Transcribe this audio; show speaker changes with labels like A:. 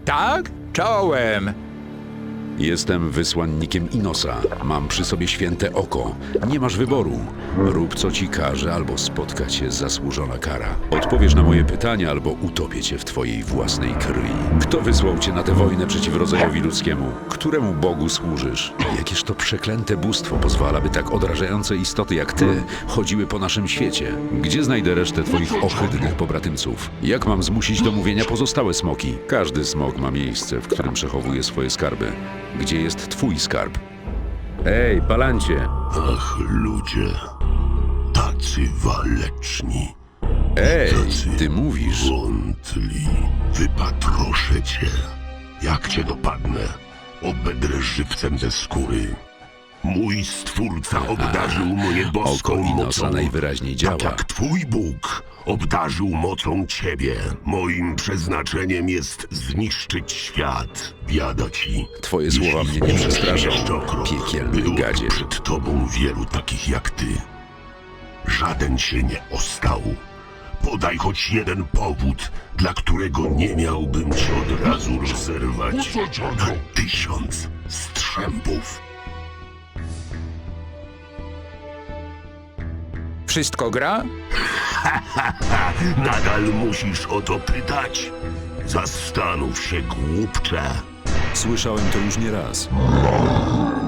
A: Tak? Czołem.
B: Jestem wysłannikiem Inosa. Mam przy sobie święte oko. Nie masz wyboru. Rób co ci każe, albo spotka cię zasłużona kara. Odpowiesz na moje pytania, albo utopię cię w twojej własnej krwi. Kto wysłał cię na tę wojnę przeciw rodzajowi ludzkiemu? Któremu Bogu służysz? Jakież to przeklęte bóstwo pozwala, by tak odrażające istoty jak ty chodziły po naszym świecie? Gdzie znajdę resztę twoich ohydnych pobratymców? Jak mam zmusić do mówienia pozostałe smoki? Każdy smok ma miejsce, w którym przechowuje swoje skarby. Gdzie jest twój skarb? Ej, Palancie!
C: Ach, ludzie, tacy waleczni,
B: Ej,
C: tacy
B: ty mówisz.
C: wątli. Wypatroszę cię. Jak cię dopadnę, obedrę żywcem ze skóry. Mój Stwórca obdarzył mnie boską
B: Oko Inosa
C: mocą,
B: najwyraźniej
C: tak
B: działa.
C: jak twój Bóg obdarzył mocą ciebie. Moim przeznaczeniem jest zniszczyć świat. Biada ci.
B: Twoje słowa
C: jeśli
B: mnie nie
C: zniszczysz
B: przestraszą,
C: jeszcze o krok.
B: piekielny
C: Było
B: gadzie.
C: przed tobą wielu takich jak ty. Żaden się nie ostał. Podaj choć jeden powód, dla którego nie miałbym cię od razu rozerwać na 1000 strzępów.
A: Wszystko gra?
C: Nadal musisz o to pytać? Zastanów się, głupcze.
B: Słyszałem to już nie raz.